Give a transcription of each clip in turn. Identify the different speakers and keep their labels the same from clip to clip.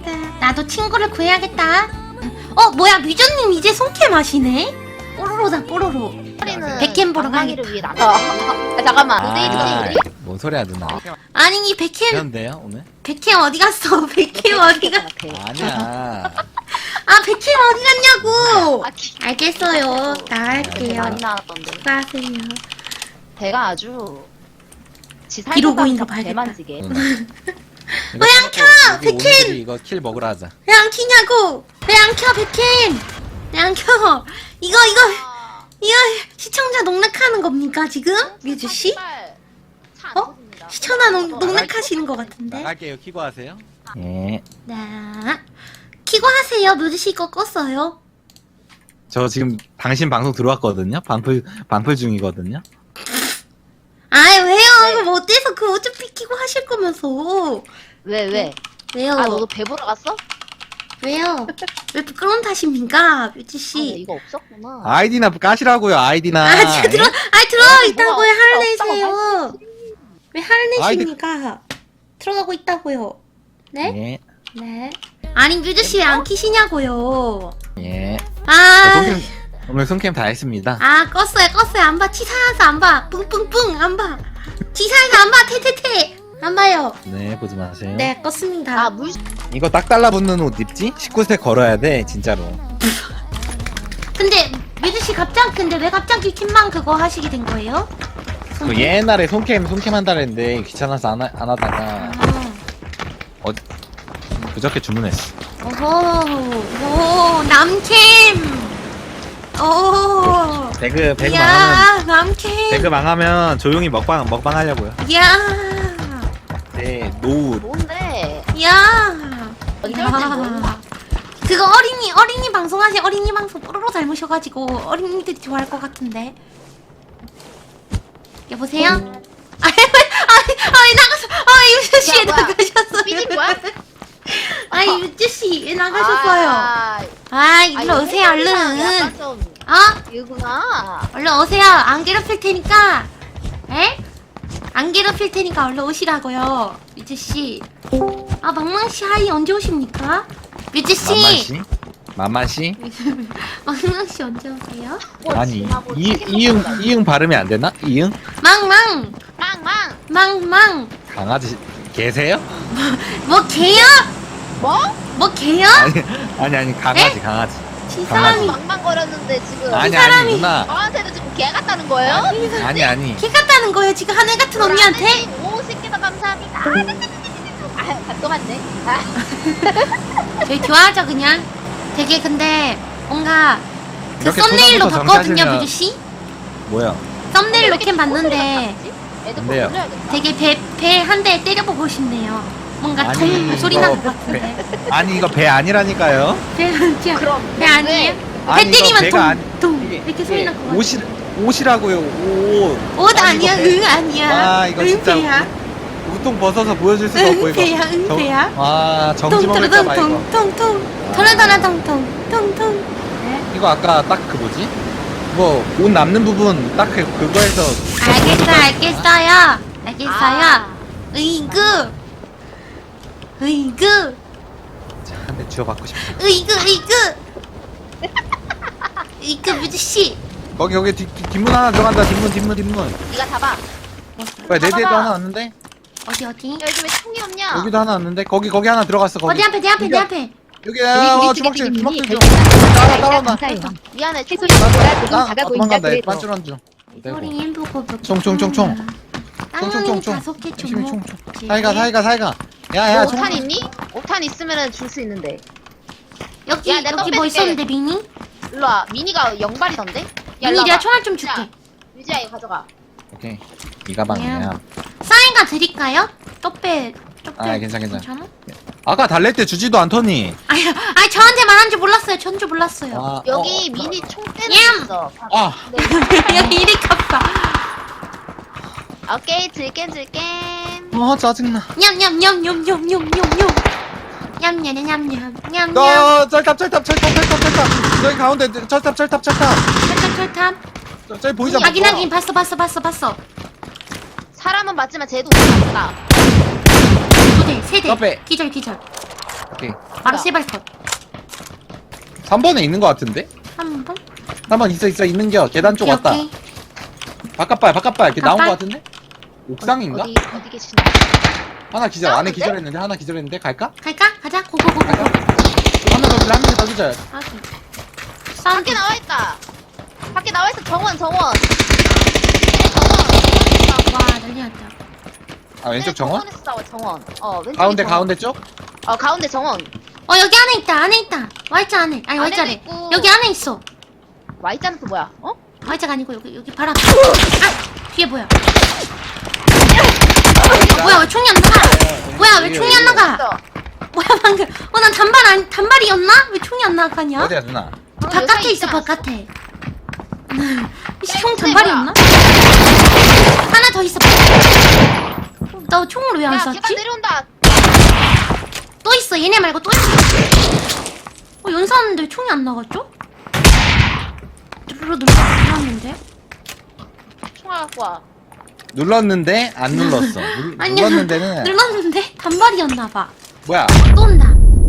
Speaker 1: 알겠습니다. 나도 친구를 구해야겠다. 뭐야 뮤저님 이제 손캠 하시네? 뽀로로다 뽀로로. 백캠 보러 가야겠다.
Speaker 2: 위해 나가. 잠깐만.
Speaker 3: 뭔 소리야 누나.
Speaker 1: 아니 이 백캠
Speaker 3: 그런데요 오늘?
Speaker 1: 백캠 어디 갔어? 백캠 어디 갔?
Speaker 3: 아니야.
Speaker 1: 아 백캠 어디 갔냐고.
Speaker 2: 아,
Speaker 1: 알겠어요. 나갈게요.
Speaker 2: 많이 나왔던데.
Speaker 1: 수고하세요.
Speaker 2: 배가 아주
Speaker 1: 기록고인가 봐야겠다.
Speaker 2: 대만지게.
Speaker 1: 왜 안 켜? 백캠!
Speaker 3: 이거 킬 먹으러 하자.
Speaker 1: 왜 안 키냐고? 왜 안 켜 백캠? 왜 안 켜? 이거 시청자 농락하는 겁니까 지금? 뮤즈 씨? 시청자 농락하시는 것 같은데?
Speaker 3: 나갈게요. 키고 하세요. 예.
Speaker 1: 네. 키고 하세요. 뮤즈 씨 거 껐어요.
Speaker 3: 저 지금 당신 방송 들어왔거든요. 반풀 중이거든요.
Speaker 1: 아이 왜요? 이거 뭐 어때서 그 어차피 키고 하실 거면서.
Speaker 2: 왜?
Speaker 1: 왜요?
Speaker 2: 아 너도 배 보러 갔어?
Speaker 1: 왜요? 왜 부끄러운 탓입니까, 뮤즈
Speaker 2: 아,
Speaker 1: 씨?
Speaker 2: 이거 없었구나.
Speaker 3: 아이디나 까시라고요. 아이디나.
Speaker 1: 들어 있다고 왜 화를 내세요? 왜 화를 내십니까? 들어가고 있다고요. 네?
Speaker 3: 예.
Speaker 1: 네. 아니 뮤즈 씨 왜 안 키시냐고요?
Speaker 3: 예.
Speaker 1: 아,
Speaker 3: 오늘 손캠 다 했습니다.
Speaker 1: 껐어요. 안 봐. 치사해서 안 봐. 뿡뿡뿡 안 봐. 치사해서 안 봐. 태태태 안 봐요.
Speaker 3: 네, 보지 마세요.
Speaker 1: 네, 껐습니다.
Speaker 2: 아 물.
Speaker 3: 이거 딱 달라붙는 옷 입지? 19세 걸어야 돼, 진짜로.
Speaker 1: 근데 뮤즈 씨 근데 왜 갑자기 킴만 그거 하시게 된 거예요?
Speaker 3: 그 옛날에 손캠 한다 그랬는데 귀찮아서 안 하다가
Speaker 1: 아,
Speaker 3: 그저께 주문했어.
Speaker 1: 오호, 남캠. 오.
Speaker 3: 배그 망하면
Speaker 1: 야, 남캠.
Speaker 3: 배그 망하면 조용히 먹방 하려고요.
Speaker 1: 야,
Speaker 3: 네, 노후.
Speaker 2: 뭔데?
Speaker 1: 야.
Speaker 2: 언제 올지 몰라.
Speaker 1: 그거 어린이 방송하세요. 어린이 방송 뽀로로 닮으셔가지고 어린이들이 좋아할 것 같은데. 여보세요? 아니 나갔어. 유주 씨
Speaker 2: 야, 뭐야?
Speaker 1: 나가셨어요.
Speaker 2: 삐진 거야?
Speaker 1: 아니 유주 씨 왜 나가셨어요? 일로 오세요 얼른.
Speaker 2: 약간 좀 이구나.
Speaker 1: 얼른 오세요. 안 괴롭힐 테니까. 에? 안 괴롭힐 테니까 얼른 오시라고요. 유주 씨. 망망 씨 하이 언제 오십니까? 유주 씨.
Speaker 3: 만만 씨?
Speaker 1: 망망 씨 언제 오세요?
Speaker 3: 아니 이응 발음이 안 되나? 이응?
Speaker 1: 망망.
Speaker 2: 망망.
Speaker 3: 강아지 계세요?
Speaker 1: 뭐 개요? 뭐 개요?
Speaker 3: 아니 강아지.
Speaker 1: 이 사람이
Speaker 2: 망망거렸는데 지금.
Speaker 3: 아니
Speaker 1: 사람이-
Speaker 3: 누나.
Speaker 2: 저한테도 지금 개 같다는 거예요?
Speaker 3: 아니.
Speaker 1: 개 같다는 거예요 지금 하늘 같은 언니한테?
Speaker 2: 50개도 감사합니다. 또 맞네.
Speaker 1: 저희 좋아하죠 그냥. 되게 근데 뭔가 그
Speaker 3: 이렇게
Speaker 1: 썸네일로
Speaker 3: 초반부터
Speaker 1: 봤거든요
Speaker 3: 정사하시면-
Speaker 1: 뮤즈 씨.
Speaker 3: 뭐야?
Speaker 1: 썸네일로 캠 봤는데
Speaker 2: 애들
Speaker 3: 근데요.
Speaker 2: 보내야겠다.
Speaker 1: 되게 배 한 대 때려보고 싶네요. 뭔가
Speaker 3: 아니,
Speaker 1: 통 소리
Speaker 3: 이거
Speaker 1: 나는 것 같은데.
Speaker 3: 아니 이거 배 아니라니까요.
Speaker 1: 배 아니야.
Speaker 2: 그럼
Speaker 1: 배 아니에요?
Speaker 3: 아니,
Speaker 1: 배
Speaker 3: 이거
Speaker 1: 때리면
Speaker 3: 배가
Speaker 1: 통
Speaker 3: 이게-
Speaker 1: 이렇게 소리 날 것 같아.
Speaker 3: 옷이라고요. 옷.
Speaker 1: 옷
Speaker 3: 아니,
Speaker 1: 아니야?
Speaker 3: 이거 배-
Speaker 1: 응 아니야?
Speaker 3: 아 이거 진짜
Speaker 1: 배야?
Speaker 3: 우통 벗어서 보여줄 수가 없고 이거.
Speaker 1: 배야? 응 배야?
Speaker 3: 와 정지 먹을까봐 이거.
Speaker 1: 통통통통 털어털어통통 통통.
Speaker 3: 이거 아까 딱 그 뭐지? 뭐 옷 남는 부분 딱 그거에서.
Speaker 1: 알겠어요.
Speaker 2: 아.
Speaker 1: 으이그
Speaker 3: 한 대 쥐어받고 싶어.
Speaker 1: 으이그 뮤즈 씨.
Speaker 3: 거기 뒷문 하나 들어간다. 뒷문.
Speaker 2: 네가 잡아.
Speaker 3: 왜 내 뒤에도 하나 왔는데?
Speaker 1: 어디?
Speaker 2: 야, 여기 왜 총이 없냐?
Speaker 3: 여기도 하나 왔는데? 거기 하나 들어갔어. 거기.
Speaker 1: 내 앞에.
Speaker 3: 여기 주먹질. 따라온다.
Speaker 2: 미안해.
Speaker 4: 새소리 먹어라 조금
Speaker 3: 나
Speaker 4: 작아 보인다
Speaker 3: 도망간다.
Speaker 4: 그래도
Speaker 3: 반줄한 줄.
Speaker 1: 소리 인보고
Speaker 3: 총총총총.
Speaker 1: 땅콩이 다섯 개
Speaker 3: 총.
Speaker 1: 좀.
Speaker 3: 사이가. 야야
Speaker 2: 너
Speaker 3: 총.
Speaker 2: 5탄 있니? 5탄 있으면은 줄 수 있는데.
Speaker 1: 여기
Speaker 2: 야, 내가
Speaker 1: 뭐
Speaker 2: 떡
Speaker 1: 있었는데 미니?
Speaker 2: 일로 와. 미니가 영발이던데? 야,
Speaker 1: 미니
Speaker 2: 일로
Speaker 1: 내가
Speaker 2: 와봐.
Speaker 1: 총알 좀 줄게.
Speaker 2: 유지야 이거 가져가.
Speaker 3: 오케이. 이 가방이야.
Speaker 1: 사인가 드릴까요? 떡배.
Speaker 3: 괜찮아. 아까 달랠 때 주지도 않더니.
Speaker 1: 아니 저한테 말한 줄 몰랐어요. 전 줄 몰랐어요.
Speaker 3: 아,
Speaker 2: 여기 미니 총대는
Speaker 1: 얌!
Speaker 2: 있어.
Speaker 3: 아.
Speaker 1: 여기 이리 갚아.
Speaker 2: 오케이 들겜.
Speaker 3: 짜증나.
Speaker 1: 냠냠냠냠냠냠냠냠. 냠냠냠냠냠냠.
Speaker 3: 너 철탑. 저기 가운데 철탑.
Speaker 1: 철탑.
Speaker 3: 저기 보이잖아.
Speaker 1: 확인 봤어.
Speaker 2: 사람은 맞지만 쟤도 맞다.
Speaker 1: 두 대, 세 대.
Speaker 3: 떡배.
Speaker 1: 기절.
Speaker 3: 오케이.
Speaker 1: 바로 세발 컷.
Speaker 3: 3번에 있는 거 같은데?
Speaker 1: 3번?
Speaker 3: 3번 있어 있는겨. 계단 쪽 왔다.
Speaker 1: 오케이.
Speaker 3: 바깥발 이렇게 나온 거
Speaker 1: 바깥?
Speaker 3: 같은데? 옥상인가?
Speaker 2: 어디 계시나?
Speaker 3: 하나 기절 안에
Speaker 2: 싸우는데?
Speaker 3: 기절했는데 하나 기절했는데 갈까?
Speaker 1: 갈까? 가자. 고고고고고.
Speaker 3: 하나 더 기절 한명더 기절.
Speaker 1: 아기.
Speaker 2: 밖에 나와 있다. 밖에 나와 있어. 정원. 정원.
Speaker 1: 와, 난리 났다.
Speaker 3: 아 왼쪽 정원?
Speaker 2: 정원에서 싸워. 정원. 왼쪽.
Speaker 3: 가운데 가운데 쪽?
Speaker 2: 가운데 정원.
Speaker 1: 여기 안에 있다. 안에 있다. Y자 안에. 아니,
Speaker 2: 안에도
Speaker 1: Y자래.
Speaker 2: 있고.
Speaker 1: 여기 안에 있어.
Speaker 2: Y자는 또 뭐야?
Speaker 1: Y자가 아니고 여기 바로 앞에. 아! 뒤에 뭐야? 뭐야, 왜 총이 안 나가? 뭐야, 왜 총이 안 나가?
Speaker 2: 있어.
Speaker 1: 뭐야, 방금. 난 단발이었나? 왜 총이 안 나가냐?
Speaker 3: 어디야 누나?
Speaker 1: 바깥에 있어,
Speaker 2: 여자
Speaker 1: 바깥에. 씨, 총
Speaker 2: 이거
Speaker 1: 단발이었나? 하나 더 있어. 나 총을 왜 안
Speaker 2: 야, 계단
Speaker 1: 쐈지?
Speaker 2: 내려온다.
Speaker 1: 또 있어, 얘네 말고 또 있어. 연사하는데 왜 총이 안 나갔죠? 눌렀는데?
Speaker 2: 총알 갖고 와.
Speaker 3: 눌렀는데 안 눌렀어.
Speaker 1: 아니야,
Speaker 3: 눌렀는데는
Speaker 1: 눌렀는데 단발이었나봐.
Speaker 3: 뭐야?
Speaker 1: 또 온다.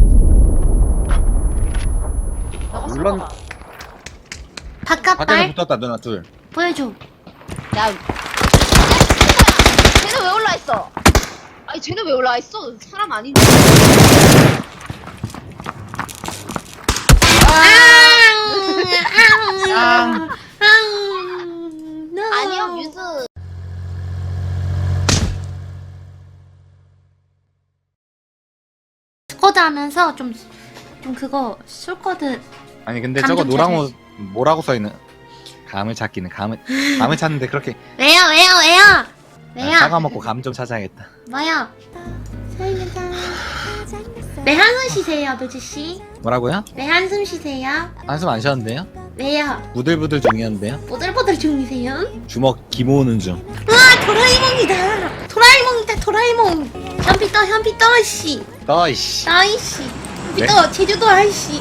Speaker 2: 너가
Speaker 3: 물론-
Speaker 2: 쏘봐.
Speaker 3: 밖에서
Speaker 1: 바깥발
Speaker 3: 붙었다 누나 둘.
Speaker 1: 보여줘.
Speaker 2: 야. 쟤는 왜 올라 있어? 아니 쟤는 왜 올라 있어? 사람 아닌데. 아니요 뮤즈.
Speaker 1: 스쿼드 하면서 좀 그거 술코드
Speaker 3: 아니 근데
Speaker 1: 감
Speaker 3: 저거
Speaker 1: 좀
Speaker 3: 노랑
Speaker 1: 찾아야지.
Speaker 3: 옷 뭐라고 써있는? 감을 찾기는 감을 찾는데 그렇게
Speaker 1: 왜요?
Speaker 3: 사과 먹고 감 좀 찾아야겠다.
Speaker 1: 뭐요? 왜 한숨 쉬세요, 뮤즈씨?
Speaker 3: 뭐라고요?
Speaker 1: 왜 한숨 쉬세요?
Speaker 3: 한숨 안 쉬었는데요?
Speaker 1: 왜요?
Speaker 3: 부들부들 중이었는데요?
Speaker 1: 보들보들 중이세요?
Speaker 3: 주먹 기모으는 중.
Speaker 1: 우와, 도라에몽이다. 도라에몽. 현피 떠, 씨.
Speaker 3: 너이씨.
Speaker 1: 나이씨. 현피
Speaker 3: 네?
Speaker 1: 떠, 제주도 아이씨.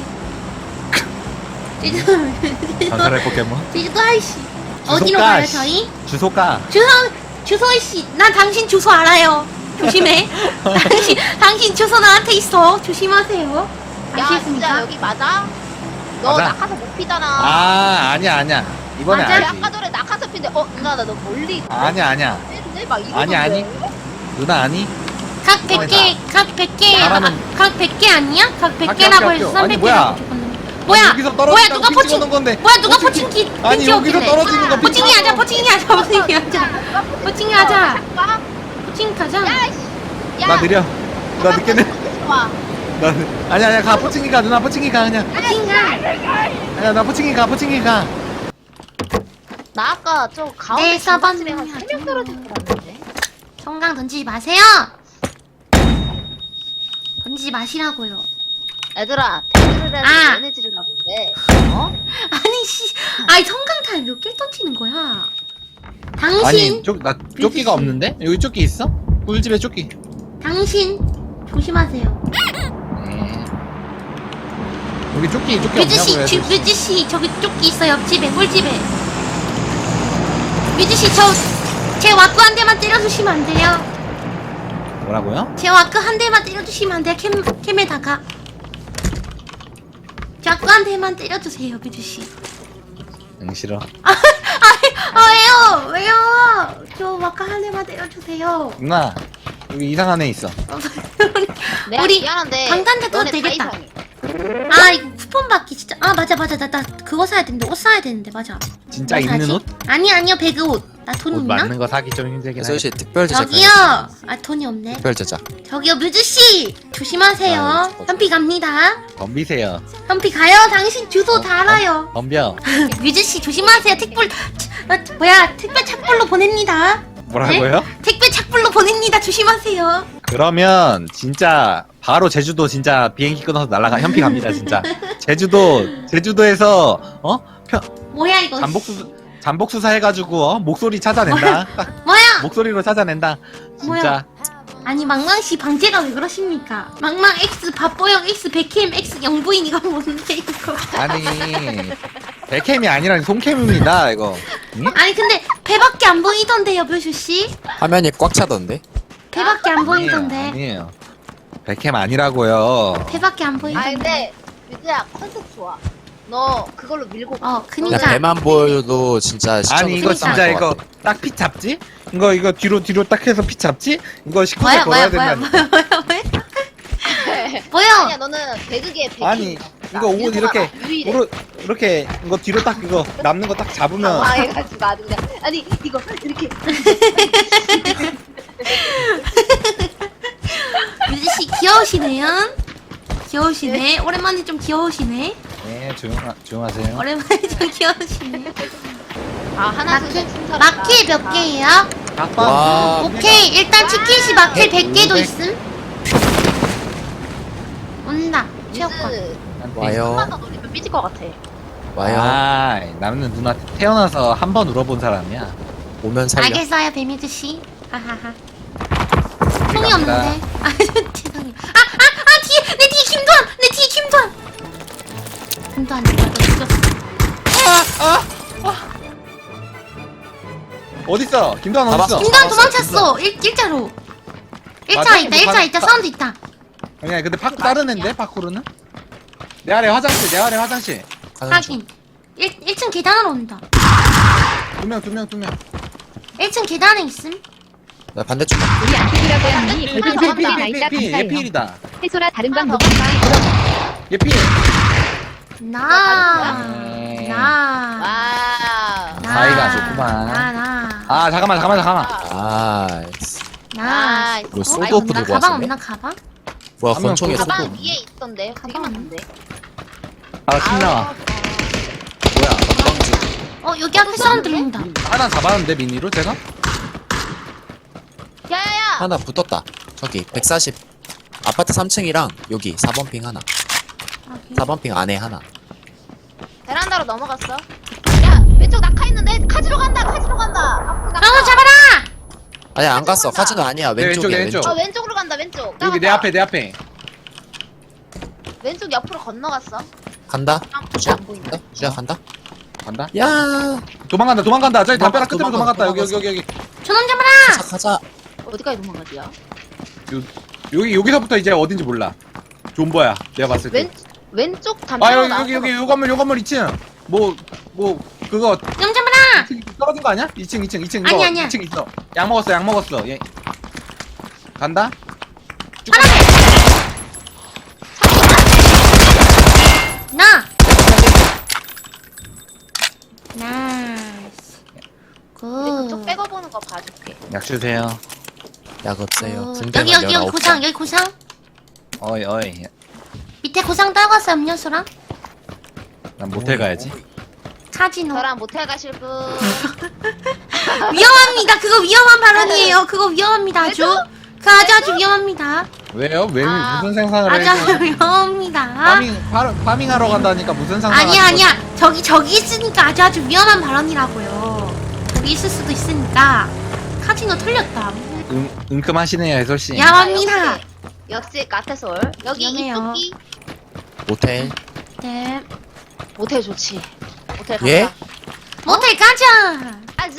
Speaker 3: 전설의 포켓몬.
Speaker 1: 제주도 아이씨.
Speaker 3: 주소
Speaker 1: 어디로
Speaker 3: 까,
Speaker 1: 가요,
Speaker 3: 씨.
Speaker 1: 저희?
Speaker 3: 주소가.
Speaker 1: 주소 씨. 난 당신 주소 알아요. 조심해. 당신 주소 나한테 있어. 조심하세요.
Speaker 2: 야 진짜
Speaker 1: 아시겠습니까?
Speaker 2: 여기 맞아? 너
Speaker 3: 맞아.
Speaker 2: 낙하산 못 피잖아.
Speaker 3: 아니야. 이번에
Speaker 1: 맞아.
Speaker 2: 야,
Speaker 3: 알지.
Speaker 2: 아까 전에 낙하산 핀데 누나 나 너 멀리
Speaker 3: 아니야.
Speaker 2: 떼는데 막 이러던데.
Speaker 3: 아니. 누나 아니?
Speaker 1: 각 100개, 각 100개,
Speaker 3: 사람은-
Speaker 1: 각 100개 아니야? 각 100개라고
Speaker 3: 학교.
Speaker 1: 해서
Speaker 3: 아니,
Speaker 1: 300개라고
Speaker 3: 뭐야?
Speaker 1: 적었는데. 뭐야?
Speaker 3: 여기서
Speaker 1: 뭐야,
Speaker 3: 떨어진다고
Speaker 1: 누가
Speaker 3: 핑
Speaker 1: 포칭,
Speaker 3: 찍어놓은 건데.
Speaker 1: 뭐야, 누가 포칭기,
Speaker 3: 아니
Speaker 1: 핑
Speaker 3: 여기서
Speaker 1: 찍었길래.
Speaker 3: 떨어지는 거
Speaker 1: 포칭이 하자, 포칭이 하자. 포칭이 하자.
Speaker 2: 봐.
Speaker 1: 포칭 가자.
Speaker 2: 야이씨. 야.
Speaker 3: 나 느려. 나 늦게 내.
Speaker 2: 와.
Speaker 3: 아니야 가 포칭이 가 누나 포칭이 가 그냥.
Speaker 1: 포칭 가.
Speaker 3: 아니야 나 포칭이 가.
Speaker 2: 나 아까 저 가운데
Speaker 1: 네, 서번
Speaker 2: 중간쯤에 한 3명 떨어진 거 같은데.
Speaker 1: 성강 던지지 마세요. 던지지 마시라고요.
Speaker 2: 얘들아, 배그를 해서
Speaker 1: 아.
Speaker 2: 연애지를 가본데.
Speaker 1: 아니 씨, 아니 성강탄 몇 개 던지는 거야? 당신,
Speaker 3: 아니 나 조끼가
Speaker 1: 뮤지씨.
Speaker 3: 없는데? 여기 조끼 있어? 꿀집에 조끼.
Speaker 1: 당신 조심하세요.
Speaker 3: 네. 여기 조끼
Speaker 1: 뮤즈 씨,
Speaker 3: 없냐고요?
Speaker 1: 뮤즈 씨 저기 조끼 있어 옆집에 꿀집에. 뮤즈 씨 제 와꾸 한 대만 때려주시면 안 돼요?
Speaker 3: 뭐라고요?
Speaker 1: 제 와크 한 대만 때려주시면 안 돼요? 캠에다가 제 와크 한 대만 때려주세요, 뮤즈씨.
Speaker 3: 응 싫어.
Speaker 1: 왜요? 저 와크 한 대만 때려주세요.
Speaker 3: 누나 여기 이상한 애 있어.
Speaker 2: 내가
Speaker 1: 우리
Speaker 2: 미안한데.
Speaker 1: 방탄 타도
Speaker 2: 너네 다
Speaker 1: 되겠다.
Speaker 2: 이상해.
Speaker 1: 이거 쿠폰 받기 진짜. 맞아. 나 그거 사야 되는데, 옷 사야 되는데, 맞아.
Speaker 3: 진짜
Speaker 1: 뭐
Speaker 3: 입는
Speaker 1: 사지?
Speaker 3: 옷?
Speaker 1: 아니요, 배그 옷. 나 돈
Speaker 3: 옷
Speaker 1: 있나?
Speaker 3: 맞는 거 사기 좀 힘들긴
Speaker 4: 소희 씨
Speaker 3: 하겠다.
Speaker 4: 특별 제작.
Speaker 1: 저기요. 돈이 없네.
Speaker 4: 특별 제작.
Speaker 1: 저기요, 뮤즈씨! 조심하세요.
Speaker 4: 아유,
Speaker 1: 현피 갑니다.
Speaker 3: 덤비세요.
Speaker 1: 현피 가요. 당신 주소 다 알아요.
Speaker 3: 덤벼.
Speaker 1: 뮤즈씨, 조심하세요. 택배 착불로 보냅니다.
Speaker 3: 뭐라고요?
Speaker 1: 택배 착불로 보냅니다. 조심하세요.
Speaker 3: 그러면 진짜 바로 제주도 진짜 비행기 끊어서 날아가 현피 갑니다 진짜. 제주도에서
Speaker 1: 뭐야, 이거.
Speaker 3: 잠복 수사 해가지고 목소리 찾아낸다. 딱
Speaker 1: 뭐야?
Speaker 3: 목소리로 찾아낸다. 진짜.
Speaker 1: 아니, 망망씨 방제가 왜 그러십니까? 망망 X, 밥보영 X, 백캠 X, 영부인 이거 뭔데, 이거.
Speaker 3: 아니 백캠이 아니라 송캠입니다 이거. 응?
Speaker 1: 아니, 근데 배밖에 안 보이던데요, 묘슈씨?
Speaker 4: 화면이 꽉 차던데.
Speaker 1: 배밖에 안 보이던데.
Speaker 3: 아니에요. 백캠 아니라고요.
Speaker 1: 배밖에 안 보이던데.
Speaker 2: 아 근데 유주야 컨셉 좋아. 너 그걸로 밀고 가.
Speaker 1: 어,
Speaker 4: 그냥
Speaker 1: 그니까.
Speaker 4: 배만 보여도 진짜 시청자
Speaker 3: 아니 이거
Speaker 1: 그러니까.
Speaker 3: 진짜 이거 딱 핏 잡지? 이거 뒤로 딱 해서 핏 잡지? 이거 19세 걸어야 된다.
Speaker 1: 뭐야?
Speaker 2: 아니야 너는 배그계 배기.
Speaker 3: 아니 이거 옷 이렇게
Speaker 2: 유일해.
Speaker 3: 이렇게 이거 뒤로 딱 이거 남는 거 딱 잡으면
Speaker 2: 당황해가지고 아주 그냥 아니 이거 이렇게
Speaker 1: 유지씨 귀여우시네요. 귀여우시네. 오랜만에 좀 귀여우시네.
Speaker 3: 네 조용하세요.
Speaker 1: 오랜만에 좀 귀여우시네.
Speaker 2: 아 하나
Speaker 1: 마켓,
Speaker 2: 둘셋 순서로
Speaker 1: 마켓 몇 개예요?
Speaker 4: 와.
Speaker 1: 오케이, 일단 치킨시 마켓 100개도 있음. 온다. 체육관.
Speaker 2: 유즈
Speaker 4: 와요.
Speaker 2: 한번 더 노리면 삐질 것 같아.
Speaker 4: 와요.
Speaker 3: 아 나는 누나 태어나서 한 번 울어본 사람이야.
Speaker 4: 오면 살려.
Speaker 1: 알겠어요, 배미드 씨. 하하하. 총이
Speaker 3: 감사합니다.
Speaker 1: 없는데. 아, 죄송해요. 뒤에 내 뒤에 김도환. 내 뒤에 김도환. 김도환 누가 죽였어?
Speaker 3: 어딨어? 김도환
Speaker 4: 잡았어.
Speaker 3: 어딨어?
Speaker 1: 김도환
Speaker 4: 잡았어,
Speaker 1: 도망쳤어. 일자로. 일자
Speaker 3: 맞아?
Speaker 1: 있다. 일자 있다. 사운드 있다.
Speaker 3: 아니야 근데 파쿠 다른 앤데 파쿠르는? 내 아래 화장실
Speaker 4: 가는 중.
Speaker 1: 확인. 1층 계단으로 온다.
Speaker 3: 두 명
Speaker 1: 1층 계단에 있음.
Speaker 4: 나 반대쪽.
Speaker 5: 우리 안티이라고 하니
Speaker 2: 삐,
Speaker 5: 별풍선
Speaker 2: 삐, 삐,
Speaker 5: 나 있다
Speaker 3: 얘
Speaker 5: 감사해요.
Speaker 3: 필이다.
Speaker 5: 해소라 다른 방
Speaker 2: 아,
Speaker 5: 녹음방
Speaker 3: 얘 필.
Speaker 1: 나.
Speaker 3: 네.
Speaker 1: 나.
Speaker 2: 와우.
Speaker 1: 나.
Speaker 3: 사이가 좋구만.
Speaker 1: 나.
Speaker 3: 아 잠깐만
Speaker 4: 아,
Speaker 1: 나.
Speaker 4: 이거
Speaker 1: 어?
Speaker 4: 소드오프
Speaker 1: 나
Speaker 4: 들고
Speaker 1: 가방
Speaker 4: 왔었네?
Speaker 1: 없나 가방?
Speaker 4: 뭐야,
Speaker 3: 한 명
Speaker 4: 권총에
Speaker 3: 쏘고.
Speaker 4: 소드.
Speaker 2: 가방 위에 있던데. 되게
Speaker 1: 가방
Speaker 2: 많던데.
Speaker 3: 아 신나와. 뭐야?
Speaker 1: 어 여기 앞에 사운드 들린다.
Speaker 3: 하나 잡았는데 미니로 제가?
Speaker 2: 야야야.
Speaker 4: 하나 붙었다. 저기 140. 아파트 3층이랑 여기 4번 핑 하나. 4번 핑 안에 하나.
Speaker 2: 베란다로 넘어갔어. 야 왼쪽 낙하 있는데 카지로 간다. 카지로 간다. 앞으로 낙하.
Speaker 1: 저거 잡아라!
Speaker 4: 아니 안 갔어. 카지노 아니야.
Speaker 3: 네,
Speaker 4: 왼쪽이야.
Speaker 3: 왼쪽,
Speaker 4: 왼쪽.
Speaker 2: 어 왼쪽으로 간다. 왼쪽.
Speaker 3: 여기 내 앞에 내 앞에.
Speaker 2: 왼쪽 옆으로 건너갔어.
Speaker 4: 간다. 주야.
Speaker 2: 안 보인다.
Speaker 4: 간다. 주야 간다.
Speaker 3: 간다.
Speaker 4: 야.
Speaker 3: 도망간다. 저기 담벼락 끝으로
Speaker 4: 도망가,
Speaker 3: 도망갔다. 여기.
Speaker 1: 저놈 잡아라!
Speaker 4: 가자.
Speaker 2: 어디까지 도망가지야?
Speaker 3: 여기서부터 이제 어딘지 몰라. 존버야. 내가 봤을 때.
Speaker 2: 왼쪽
Speaker 3: 아
Speaker 2: 담벼락
Speaker 3: 여기 요 건물 2층. 뭐 그거
Speaker 1: 놈 잡아라!
Speaker 3: 떨어진 거 아니야? 2층 이거
Speaker 1: 아니, 아니야.
Speaker 3: 2층 있어. 약 먹었어. 얘. 간다.
Speaker 1: 나! 나이스.
Speaker 2: 그쪽
Speaker 1: 굿.
Speaker 2: 빼고 보는 거 봐줄게.
Speaker 3: 약 주세요.
Speaker 4: 약 없어요.
Speaker 1: 굿.
Speaker 4: 군대만
Speaker 1: 여기
Speaker 4: 19장.
Speaker 1: 고상, 여기 고상.
Speaker 3: 어이.
Speaker 1: 밑에 고상 떨궜어, 음료수랑.
Speaker 3: 난 모텔 가야지.
Speaker 1: 카지노.
Speaker 2: 저랑 모텔 가실 분.
Speaker 1: 위험합니다. 그거 위험한 발언이에요. 그거 위험합니다, 아주. 그 아주 위험합니다.
Speaker 3: 왜요? 왜
Speaker 2: 아,
Speaker 3: 무슨 생산을
Speaker 1: 아주
Speaker 3: 해?
Speaker 1: 위험합니다.
Speaker 3: 파밍하러 간다니까 무슨 상상?
Speaker 1: 아니야. 저기 있으니까 아주 위험한 발언이라고요. 거기 있을 수도 있으니까. 카지노 털렸다.
Speaker 3: 은큼하시네요, 해솔 씨.
Speaker 1: 야합니다.
Speaker 2: 역시 카페솔. 여기
Speaker 1: 위험해요.
Speaker 2: 이쪽이
Speaker 4: 모텔.
Speaker 1: 네.
Speaker 2: 모텔 좋지. 모텔 가자.
Speaker 4: 예?
Speaker 1: 모텔 가자.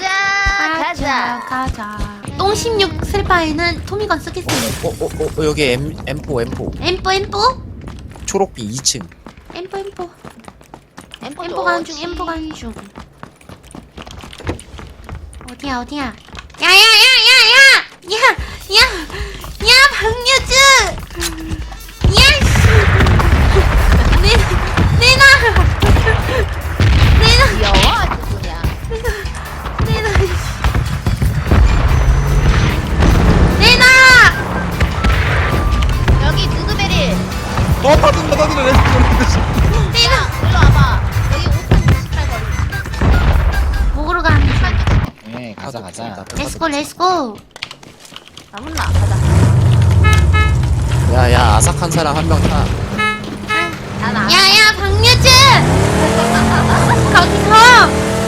Speaker 2: 가자.
Speaker 1: 똥 16 슬바에는 토미건 쓰겠습니다.
Speaker 4: 여기 M4.
Speaker 1: 엠뽀.
Speaker 4: 초록빛 2층.
Speaker 1: 엠뽀.
Speaker 2: 엠포
Speaker 1: 엠뽀 가는 중.
Speaker 2: 좋지.
Speaker 1: 엠뽀 가는 중. 어디야. 야야야야야. 야 박유주. 야 씨. 내놔.
Speaker 2: 귀여워 아주 그냥.
Speaker 1: 내놔.
Speaker 2: 여기 누드베리.
Speaker 3: 터진다.
Speaker 2: 야 일로 와봐. 여기 5분 98 거리.
Speaker 1: 먹으러 가는 중.
Speaker 3: 네, 가자.
Speaker 1: 렛츠고.
Speaker 2: 나문나 가자.
Speaker 4: 야야 아삭한 사람 한 명 타.
Speaker 2: 나나.
Speaker 1: 야야 박유주. 거기서.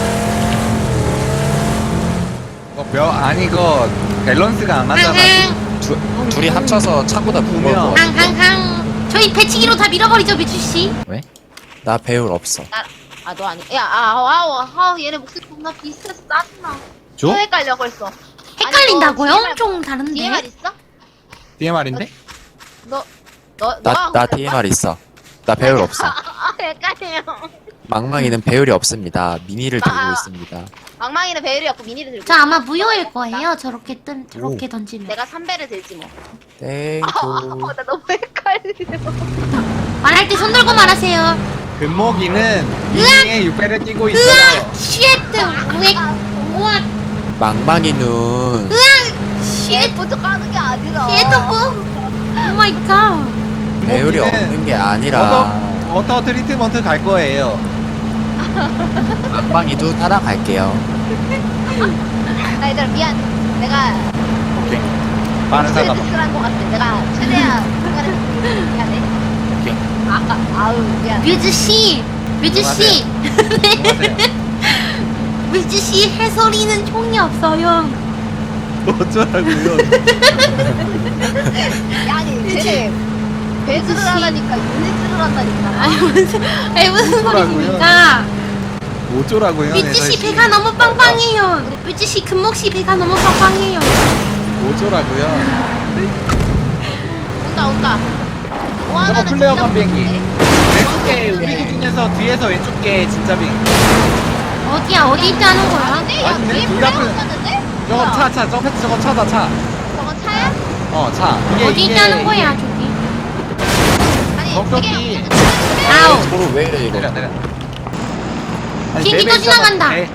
Speaker 3: 아니 이거 밸런스가 안 맞잖아.
Speaker 4: 둘이 합쳐서 차보다 무거워.
Speaker 1: 항. 저희 배치기로 다 밀어버리죠, 미주씨.
Speaker 3: 왜?
Speaker 4: 나 배울 없어.
Speaker 2: 아 너 아니. 야 얘네 목소리 존나 비슷해서 짜증나.
Speaker 3: 줘?
Speaker 2: 헷갈려 벌써.
Speaker 1: 헷갈린다고요?
Speaker 2: 아니, 너
Speaker 1: 엄청 다른데.
Speaker 2: DMR 있어?
Speaker 3: DMR인데?
Speaker 4: 나 DMR 있어. 나 배율 없어.
Speaker 2: 헷갈려요.
Speaker 4: 망망이는 배율이 없습니다. 미니를 들고
Speaker 2: 아.
Speaker 4: 있습니다.
Speaker 2: 망망이는 배율이 없고 미니를 들고.
Speaker 1: 저 아마 무효일 거예요. 저렇게 던지면.
Speaker 2: 내가 3배를 들지 뭐.
Speaker 4: 땡큐.
Speaker 2: 나 너무 헷갈려.
Speaker 1: 말할 때 손 들고 말하세요.
Speaker 3: 금목이는 미니에 6배를 끼고 있어요.
Speaker 1: 시에트 우엑 우악
Speaker 4: 망망이는
Speaker 2: 얘 먼저 까는 게 아니라.
Speaker 1: 시에트 오 마이 갓.
Speaker 4: 배율이
Speaker 3: 금목이는
Speaker 4: 없는 게 아니라
Speaker 3: 워터 트리트먼트 갈 거예요.
Speaker 4: 망망이도 따라갈게요.
Speaker 2: 나 얘들아 미안. 내가
Speaker 3: 오케이. 많은 사람.
Speaker 2: 스트레스를 한것 같아. 내가 최대한 시간을 미안해.
Speaker 3: 오케이.
Speaker 2: 아우 미안.
Speaker 1: 뮤즈 씨, 뮤즈 씨, 뮤즈 씨 해설이는 총이 없어요.
Speaker 3: 어쩌라고요?
Speaker 2: 아니 쟤네 배드를 하라니까 유닛을 한다니까.
Speaker 1: 아니 무슨
Speaker 3: 어쩌라고요?
Speaker 1: 소리입니까?
Speaker 3: 어쩌라고요?
Speaker 1: 뮤즈 씨 배가 너무 빵빵해요. 뮤즈 씨 금목 씨 배가 너무 빵빵해요.
Speaker 3: 어쩌라고요?
Speaker 2: 온다. 뭐
Speaker 3: 저거
Speaker 2: 하나는
Speaker 3: 플레어
Speaker 2: 진짜
Speaker 3: 건 비행기.
Speaker 2: 못해.
Speaker 3: 왼쪽에 우리 기준에서 뒤에서 왼쪽 게 진짜 빙.
Speaker 1: 어디야 어디 있다는 거야?
Speaker 2: 아닌데? 야
Speaker 3: 아닌데?
Speaker 2: 뒤에
Speaker 3: 둘
Speaker 2: 플레어
Speaker 3: 다 플레어.
Speaker 2: 갔는데?
Speaker 3: 저거
Speaker 2: 뭐야?
Speaker 3: 저거 차다 차.
Speaker 2: 저거 차야?
Speaker 3: 차.
Speaker 1: 어디 있다는 거야 저기?
Speaker 2: 아니
Speaker 3: 저기.
Speaker 2: 이게
Speaker 1: 아우.
Speaker 4: 저로 왜 이래 이거?
Speaker 3: 내려.
Speaker 1: 비행기
Speaker 3: 배
Speaker 1: 또 지나간다.
Speaker 3: 배.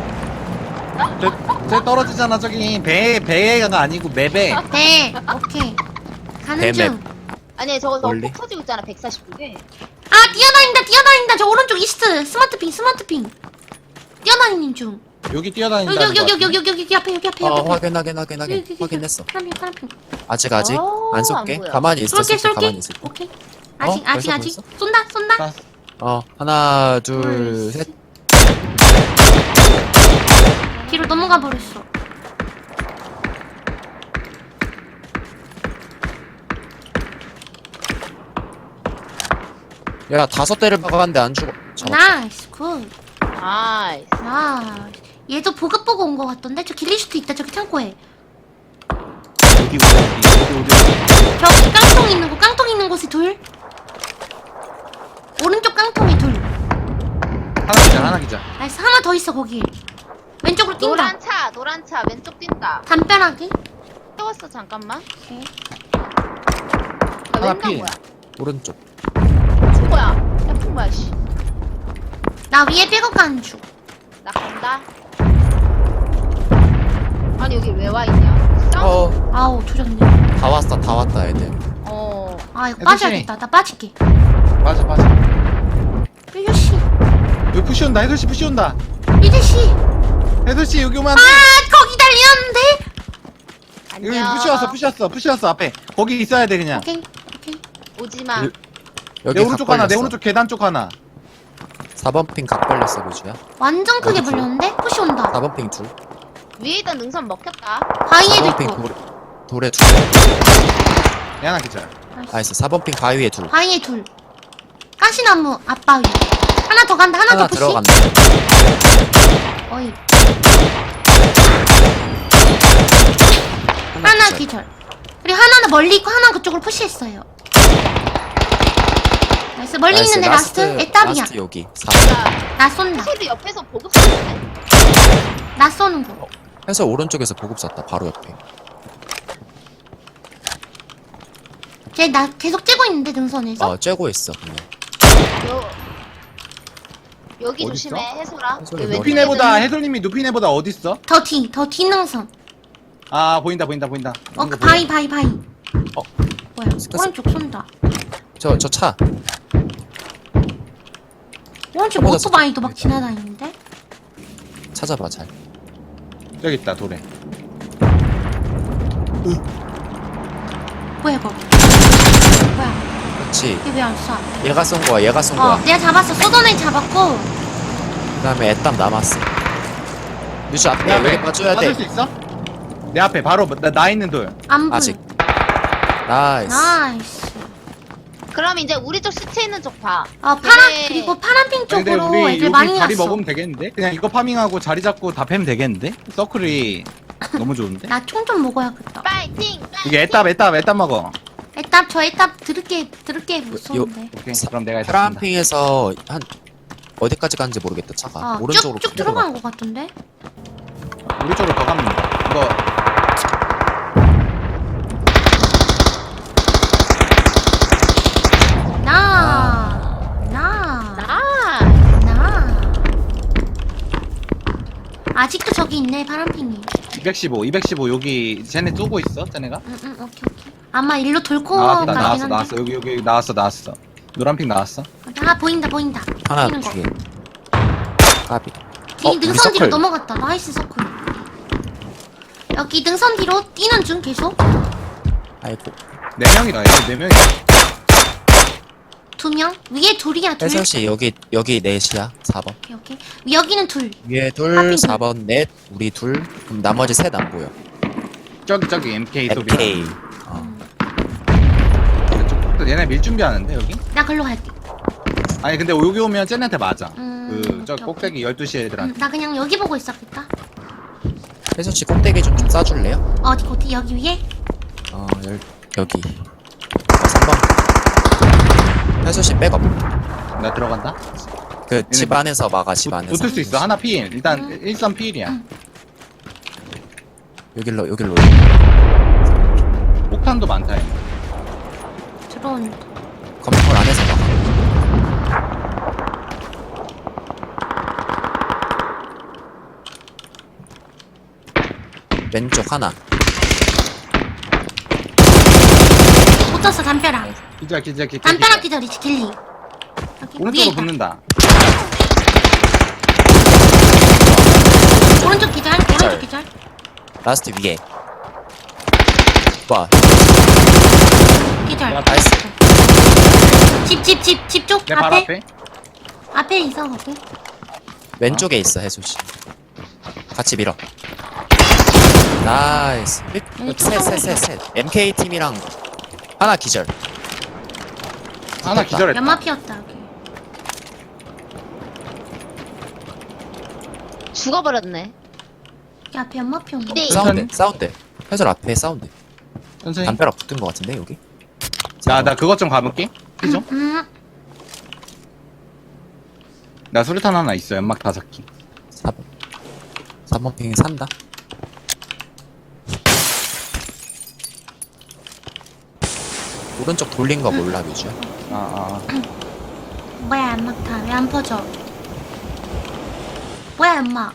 Speaker 3: 저 떨어지잖아 저기 배가 아니고 맵에.
Speaker 1: 네 오케이 가는
Speaker 4: 네,
Speaker 1: 중.
Speaker 2: 아니 저거
Speaker 4: 멀리?
Speaker 2: 너무 터지고 있잖아 149개.
Speaker 1: 아 뛰어다닌다 저 오른쪽 이스트 스마트핑 뛰어다니는 중.
Speaker 3: 여기 뛰어다닌다.
Speaker 1: 여기 앞에
Speaker 4: 확인. 확인했어.
Speaker 1: 파란핑.
Speaker 4: 아직
Speaker 2: 안
Speaker 4: 쏠게.
Speaker 2: 보여.
Speaker 4: 가만히 있어.
Speaker 1: 쏠게
Speaker 4: 가만히 있을게.
Speaker 1: 오케이
Speaker 4: 어?
Speaker 1: 아직
Speaker 4: 벌써?
Speaker 1: 쏜다
Speaker 4: 하나, 둘, 셋.
Speaker 1: 뒤로 넘어가 버렸어.
Speaker 4: 야, 5대를 박았는데 안 죽어. 잡았다.
Speaker 1: 나이스 굿.
Speaker 2: 나이스.
Speaker 1: 얘도 보급 보고 온 거 같던데? 저 길리슈트 있다 저기 창고에.
Speaker 3: 어디.
Speaker 1: 저기 깡통 있는 곳에 둘. 오른쪽 깡통에 둘.
Speaker 3: 하나 기자.
Speaker 1: 나이스 하나 더 있어 거기. 왼쪽으로 뛴다.
Speaker 2: 노란 차 왼쪽 뛴다.
Speaker 1: 담벼락이.
Speaker 2: 태웠어 잠깐만.
Speaker 1: 오케이.
Speaker 3: 하나
Speaker 2: 왼쪽
Speaker 3: 필.
Speaker 2: 뭐야?
Speaker 4: 오른쪽.
Speaker 2: 뭐야? 태풍 뭐야 씨.
Speaker 1: 나 위에 백업 가는 중.
Speaker 2: 나 간다. 아니 여기 왜 와 있냐? 싸우.
Speaker 1: 아우 조졌네.
Speaker 4: 다 왔다, 애들.
Speaker 1: 아 이거
Speaker 3: 애들
Speaker 1: 빠져야겠다. 나 빠질게.
Speaker 3: 맞아.
Speaker 1: 뮤즈씨.
Speaker 3: 여기 푸시 온다. 해솔씨 푸시 온다.
Speaker 1: 뮤즈씨.
Speaker 3: 해솔씨 여기 오면
Speaker 1: 아 거기 달렸는데.
Speaker 3: 여기
Speaker 2: 안녕.
Speaker 3: 푸시 왔어 앞에. 거기 있어야 돼 그냥.
Speaker 1: 오케이.
Speaker 2: 오지 마.
Speaker 4: 여기
Speaker 3: 내 오른쪽
Speaker 4: 각
Speaker 3: 하나, 내
Speaker 4: 벌렸어.
Speaker 3: 오른쪽 계단 쪽 하나.
Speaker 4: 4번 핑 각 벌렸어, 무주야.
Speaker 1: 완전 크게
Speaker 4: 어디지?
Speaker 1: 불렸는데? 푸시 온다.
Speaker 4: 4번 핑 둘.
Speaker 2: 위에 있던 능선 먹혔다.
Speaker 1: 바위에도
Speaker 4: 4번 핑
Speaker 1: 있고.
Speaker 4: 돌에 둘.
Speaker 3: 얘 하나 기자.
Speaker 4: 나이스. 4번 핑 바위에 둘.
Speaker 1: 바위에 둘. 가시나무 앞바위. 하나 더 간다. 하나
Speaker 4: 하나
Speaker 1: 더 푸시.
Speaker 4: 들어간다.
Speaker 1: 어이.
Speaker 4: 하나
Speaker 1: 하나
Speaker 4: 기절.
Speaker 1: 기절. 그리고 하나는 멀리 있고 하나는 그쪽으로 푸시했어요. 나이스. 멀리
Speaker 4: 나이스,
Speaker 1: 있는 애 라스트. 애답이야.
Speaker 4: 라스트 여기. 4.
Speaker 2: 자,
Speaker 1: 나 쏜다.
Speaker 2: 사실이 옆에서 보급 쏘네.
Speaker 1: 나 쏘는 거.
Speaker 4: 해서 오른쪽에서 보급 쐈다. 바로 옆에.
Speaker 1: 쟤 나 계속 째고 있는데 능선에서.
Speaker 4: 쬐고 있어. 그냥.
Speaker 2: 여기
Speaker 3: 어디
Speaker 2: 조심해
Speaker 3: 있어?
Speaker 2: 해소라.
Speaker 4: 해솔이
Speaker 2: 그
Speaker 4: 머리.
Speaker 3: 누피네보다
Speaker 2: 왼쪽에는
Speaker 3: 해솔님이 누피네보다 어디 있어?
Speaker 1: 더 뒤 능선.
Speaker 3: 아 보인다.
Speaker 1: 그
Speaker 3: 이거
Speaker 1: 바위.
Speaker 4: 어.
Speaker 1: 뭐야?
Speaker 4: 스카스.
Speaker 1: 오른쪽 쏜다.
Speaker 4: 저 차.
Speaker 1: 오른쪽
Speaker 4: 저보다
Speaker 1: 오토바이도 막
Speaker 4: 저쪽에
Speaker 1: 지나다니는데?
Speaker 4: 찾아봐, 잘.
Speaker 3: 저기 있다 돌에.
Speaker 1: 뭐야 이거? 뭐야?
Speaker 4: 그렇지.
Speaker 1: 이게 왜 안 쏴?
Speaker 4: 얘가 쏜 거야.
Speaker 1: 내가 잡았어. 쏘던 애 잡았고.
Speaker 4: 그 다음에 애땀 남았어. 뮤즈
Speaker 3: 내
Speaker 4: 앞에
Speaker 3: 앞에
Speaker 4: 여기 빠져야
Speaker 3: 맞을 수
Speaker 4: 돼.
Speaker 3: 있어? 내 앞에 바로 나 있는 돌.
Speaker 1: 안 보여.
Speaker 4: 아직. 나이스.
Speaker 1: 나이스.
Speaker 2: 그럼 이제 우리 쪽 시체 있는 쪽 봐.
Speaker 1: 파란 그리고 파란핑
Speaker 3: 근데
Speaker 1: 쪽으로
Speaker 3: 우리
Speaker 1: 애들
Speaker 3: 여기
Speaker 1: 많이
Speaker 3: 자리
Speaker 1: 갔어.
Speaker 3: 먹으면 되겠는데? 그냥 이거 파밍하고 자리 잡고 다 패면 되겠는데? 서클이 너무 좋은데?
Speaker 1: 나 총 좀 먹어야겠다.
Speaker 2: 파이팅!
Speaker 3: 이게 애답 먹어.
Speaker 1: 애답 저 애답 들을게 못 쏘는데.
Speaker 3: 오케이.
Speaker 4: 사-
Speaker 3: 그럼 내가
Speaker 4: 파란
Speaker 3: 잡는다.
Speaker 4: 핑에서 한 어디까지 가는지 모르겠다 차가. 오른쪽으로
Speaker 1: 쭉쭉
Speaker 4: 쭉 내려가.
Speaker 1: 들어간 것 같은데.
Speaker 3: 우리 쪽으로 더 가면 된다. 이거
Speaker 1: 나.
Speaker 2: 나.
Speaker 1: 아직도 저기 있네 파란핑이.
Speaker 3: 215 여기 쟤네 쏘고 있어. 쟤네가.
Speaker 1: 응 오케이. 아마 일로 돌고
Speaker 3: 나왔다
Speaker 1: 가긴
Speaker 3: 나왔어
Speaker 1: 한데.
Speaker 3: 나왔어. 여기 나왔어. 노란핑 나왔어.
Speaker 1: 아 보인다.
Speaker 4: 하나
Speaker 1: 뛰는 거.
Speaker 4: 뒤에. 까비.
Speaker 1: 뒤
Speaker 4: 우리
Speaker 1: 능선 뒤로
Speaker 4: 서클.
Speaker 1: 넘어갔다. 나이스 서클. 여기 능선 뒤로 뛰는 중 계속.
Speaker 4: 아이고.
Speaker 3: 4명이다. 얘네 4명이다.
Speaker 1: 2명 위에 둘이야 둘.
Speaker 4: 혜솔씨 여기 넷이야 4번.
Speaker 1: 오케이. 여기는 둘.
Speaker 4: 위에 둘,
Speaker 1: 하필.
Speaker 4: 4번 넷, 우리 둘. 그럼 나머지 셋 안 보여.
Speaker 3: 저기 MK 소리.
Speaker 4: MK. 어.
Speaker 3: 또 얘네 밀 준비하는데 여기?
Speaker 1: 나 글로 갈게.
Speaker 3: 아니 근데 여기 오면 쟤네한테 맞아. 저
Speaker 1: 오케이,
Speaker 3: 꼭대기 12시 애들한테.
Speaker 1: 나 그냥 여기 보고 있었겠다.
Speaker 4: 혜솔씨 꼭대기 좀 싸줄래요?
Speaker 1: 어디 여기 위에?
Speaker 4: 여기. 3번. 혜솔씨 백업.
Speaker 3: 나 들어간다.
Speaker 4: 그 집 안에서 막아 집 안에서.
Speaker 3: 붙을 수 있어. 하나 필. 일단 1선 필이야.
Speaker 4: 여길로.
Speaker 3: 폭탄도 많다. 얘네.
Speaker 1: 들어온.
Speaker 4: 건물 안에서 막아. 왼쪽 하나.
Speaker 1: 붙었어 담벼락.
Speaker 3: 기절.
Speaker 1: 담벼락 기다리지 길리. 여기 위에
Speaker 3: 오른쪽으로
Speaker 1: 있다.
Speaker 3: 붙는다.
Speaker 1: 오른쪽 기절. 오른쪽 기절.
Speaker 4: 라스트 위에. 와.
Speaker 1: 기절.
Speaker 4: 나이스.
Speaker 1: 집 쪽
Speaker 3: 내 발 앞에.
Speaker 1: 앞에 있어 거기.
Speaker 4: 왼쪽에 있어 혜솔씨. 같이 밀어. 나이스. 셋. MK 팀이랑 하나 기절.
Speaker 3: 하나 기절했다.
Speaker 1: 연마 피었다 여기.
Speaker 2: 죽어버렸네.
Speaker 1: 여기 앞에 연마 피었네.
Speaker 2: 네.
Speaker 4: 사운드. 혜솔 앞에 사운드.
Speaker 3: 천천히.
Speaker 4: 담벼락 붙은 것 같은데 여기.
Speaker 3: 나 그것 좀 가볼게. 피 좀. 나 수류탄 하나 있어. 연막 5개.
Speaker 4: 4번 핑 산다. 오른쪽 돌린 거 몰라 뮤즈야.
Speaker 1: 뭐야 연막 다 왜 안 퍼져? 뭐야 연막?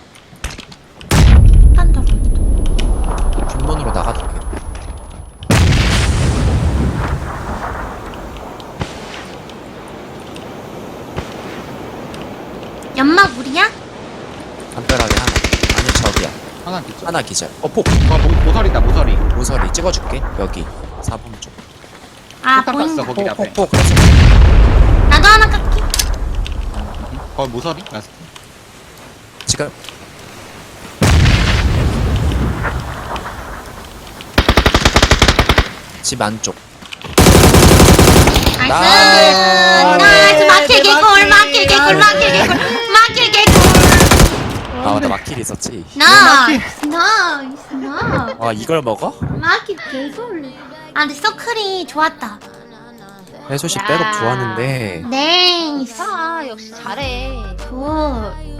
Speaker 1: 딴다고.
Speaker 4: 중문으로 나가도 되겠다.
Speaker 1: 연막 우리야?
Speaker 4: 담벼락에 하나. 아니 저기야.
Speaker 3: 하나 기절.
Speaker 4: 하나 기절. 폭.
Speaker 3: 모서리다. 모서리.
Speaker 4: 모서리 찍어줄게. 여기 4번 쪽.
Speaker 1: 아
Speaker 3: 폭탄
Speaker 1: 보인다.
Speaker 3: 갔어. 거기 앞에.
Speaker 4: 폭.
Speaker 1: 나도 하나 깎기.
Speaker 3: 거기 모서리. 라스트.
Speaker 4: 지금 집 안쪽.
Speaker 1: 나이스. 마킬 개꿀.
Speaker 4: 아 맞다 마킬 있었지.
Speaker 1: 나이스.
Speaker 4: 와 이걸 먹어?
Speaker 1: 마킬 개꿀. 아 근데 서클이 좋았다.
Speaker 4: 혜솔씨 백업 좋았는데
Speaker 1: 네.
Speaker 2: 역시 잘해.
Speaker 1: 굿.